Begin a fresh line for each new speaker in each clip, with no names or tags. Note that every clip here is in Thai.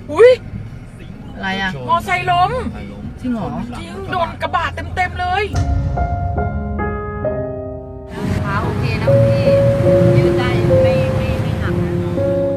อุ้ย
อะไรอ่ะ
มอไซค์ล้ม
จริงเหรอ
จริงโดนกระบะเต็มเลย
ขาโอเคนะพี่ยืดได้ไม่หักนะ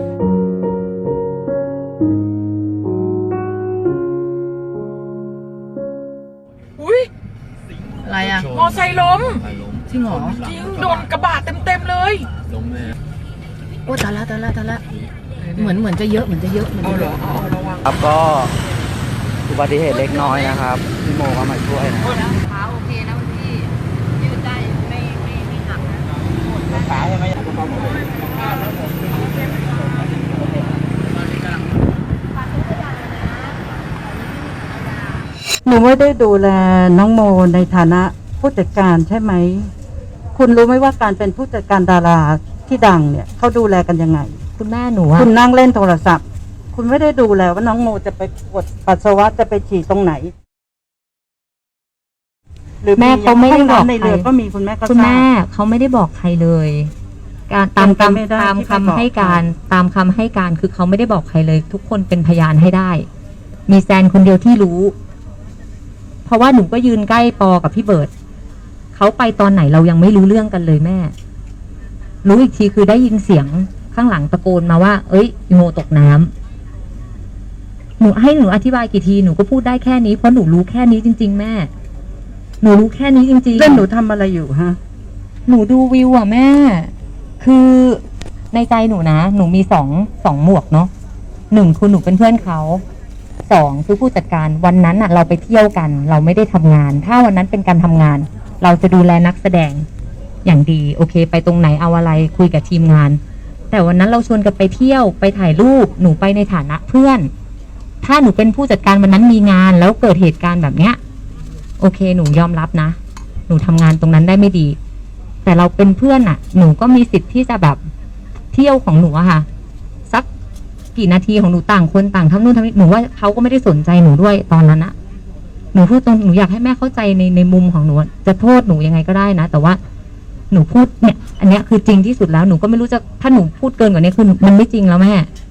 อุ้ย
อะไรอ่ะ
มอไซค์ล้ม
จริงเหรอ
จริงโดนกระบะเต็มเลย
ล้มเลย
โอ้ตายละเหมือนจะเยอะ
เอาเหรอเอาระวัง
ครับก็อุบัติเหตุเล็กน้อยนะครับพี่โมก็มาช่วยนะ
ขาโอเคนะพี่ยืดได้ไม่หักนะ
ขาใช่ไหม
หนูไม่ได้ดูแลน้องโมในฐานะผู้จัดการใช่ไหมคุณรู้ไหมว่าการเป็นผู้จัดการดาราที่ดังเนี่ยเขาดูแลกันยังไง
คุณแม่หนู
คุณนั่งเล่นโทรศัพท์คุณไม่ได้ดูแลว่าน้องโมจะไปกดปัสสาวะจะไปฉี่ตรงไหน
หรือแม่เขาไม่ได้บอก
ในเรือก็มีคุณแม่ก็
คุณแม่เขาไม่ได้บอกใครเลย การตามคำให้การคือเขาไม่ได้บอกใครเลย ทุกคนเป็นพยานให้ได้มีแซนคนเดียวที่รู้เพราะว่าหนูก็ยืนใกล้ปอกับพี่เบิร์ดเขาไปตอนไหนเรายังไม่รู้เรื่องกันเลยแม่รู้อีกทีคือได้ยินเสียงข้างหลังตะโกนมาว่าเอ้ยโมตกน้ำหนูอธิบายกี่ทีหนูก็พูดได้แค่นี้เพราะหนูรู้แค่นี้จริงๆแม่หนูรู้แค่นี้จริงๆ
แล้วหนูทำอะไรอยู่ฮะ
หนูดูวิวอ่ะแม่คือในใจหนูนะหนูมีสองหมวกเนาะหนึ่งคือหนูเป็นเพื่อนเขาสองคือผู้จัดการวันนั้นอ่ะเราไปเที่ยวกันเราไม่ได้ทำงานถ้าวันนั้นเป็นการทำงานเราจะดูแลนักแสดงอย่างดีโอเคไปตรงไหนเอาอะไรคุยกับทีมงานแต่วันนั้นเราชวนกันไปเที่ยวไปถ่ายรูปหนูไปในฐานะเพื่อนถ้าหนูเป็นผู้จัดการวันนั้นมีงานแล้วเกิดเหตุการณ์แบบเนี้ยโอเคหนูยอมรับนะหนูทำงานตรงนั้นได้ไม่ดีแต่เราเป็นเพื่อนอ่ะหนูก็มีสิทธิ์ที่จะแบบเที่ยวของหนูอะค่ะสักกี่นาทีของหนูต่างคนต่างทำนู่นทำนี่หนูว่าเขาก็ไม่ได้สนใจหนูด้วยตอนนั้นอะหนูพูดตรงหนูอยากให้แม่เข้าใจในมุมของหนูจะโทษหนูยังไงก็ได้นะแต่ว่าหนูพูดเนี่ยอันเนี้ยคือจริงที่สุดแล้วหนูก็ไม่รู้จะถ้าหนูพูดเกินกว่านี้คือมันไม่จริงแล้วแม่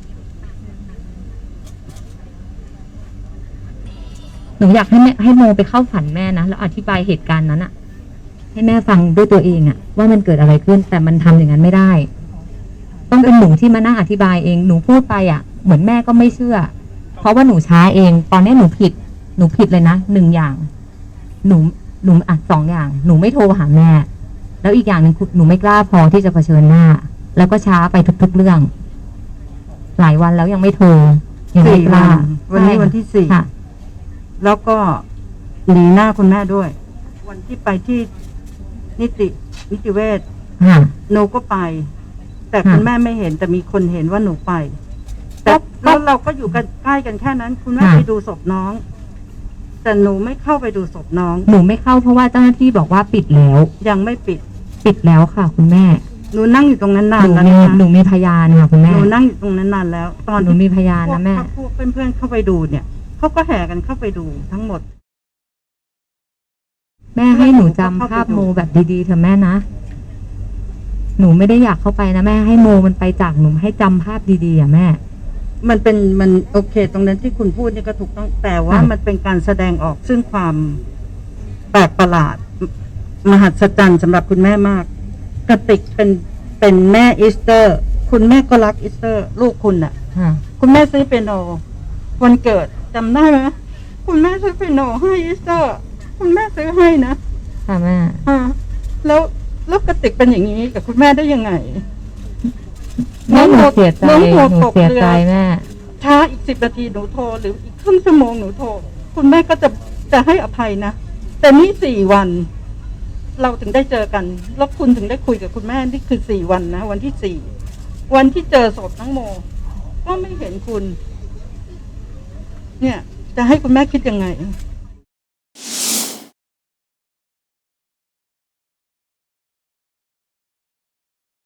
หนูอยากให้โมไปเข้าฝันแม่นะแล้วอธิบายเหตุการณ์นั้นอะให้แม่ฟังด้วยตัวเองอะว่ามันเกิดอะไรขึ้นแต่มันทำอย่างนั้นไม่ได้ต้องเป็นหนูที่มานั่งอธิบายเองหนูพูดไปอะเหมือนแม่ก็ไม่เชื่อเพราะว่าหนูช้าเองตอนนี้หนูผิดเลยนะหนึ่งอย่างหนูอ่ะสองอย่างหนูไม่โทรหาแม่แล้วอีกอย่างหนึ่งหนูไม่กล้าพอที่จะเผชิญหน้าแล้วก็ช้าไปทุกๆเรื่องหลายวันแล้วยังไม่โทรยังไม่กล้า
วันนี้วันที่สี่แล้วก็หนีหน้าคุณแม่ด้วยวันที่ไปที่นิติเวชหนูก็ไปแต่คุณแม่ไม่เห็นแต่มีคนเห็นว่าหนูไปแต่แล้วเราก็อยู่กันใกล้กันแค่นั้นคุณแม่ไปดูศพน้องแต่หนูไม่เข้าไปดูศพน้อง
หนูไม่เข้าเพราะว่าเจ้าหน้าที่บอกว่าปิดแล้ว
ยังไม่ปิด
แล้วค่ะคุณแม่
หนูนั่งอยู่ตรงนั้นนานแล้ว
หนูมีพยานค่ะคุณแม่
หนูนั่งอยู่ตรงนั้นนานแล้วตอน
หนูมีพยานนะแม่
พวกเพื่อนเข้าไปดูเนี่ยเขาก็แห่กันเข้าไปดูทั้งหมด
แม่ให้หนูจำภาพโมแบบดีๆเถอะแม่นะหนูไม่ได้อยากเข้าไปนะแม่ให้โมมันไปจากหนูให้จำภาพดีๆอ่ะแม่
มันโอเคตรงนั้นที่คุณพูดนี่ก็ถูกต้องแต่ว่ามันเป็นการแสดงออกซึ่งความแปลกประหลาดมหัศจรรย์สำหรับคุณแม่มากกระติกเป็นแม่อีสเตอร์คุณแม่ก็รักอีสเตอร์ลูกคุณน่ะคุณแม่ซื้อเปียโนวันเกิดจำได้ไหมคุณแม่ซื้อเปียโนให้อีสเตอร์คุณแม่ซื้อให้นะ
ค่ะแม่
แล้วกระติกเป็นอย่างนี้กับคุณแม่ได้ยังไง
หนูเสียใจแม่
ช้าอีก10 นาทีหนูโทรหรืออีกครึ่งชั่วโมงหนูโทรคุณแม่ก็จะให้อภัยนะแต่นี่4 วันเราถึงได้เจอกันแล้วคุณถึงได้คุยกับคุณแม่นี่คือ4 วันนะวันที่4วันที่เจอศพน้องโมก็ไม่เห็นคุณเนี่ยจะให้คุณแม่คิดยังไง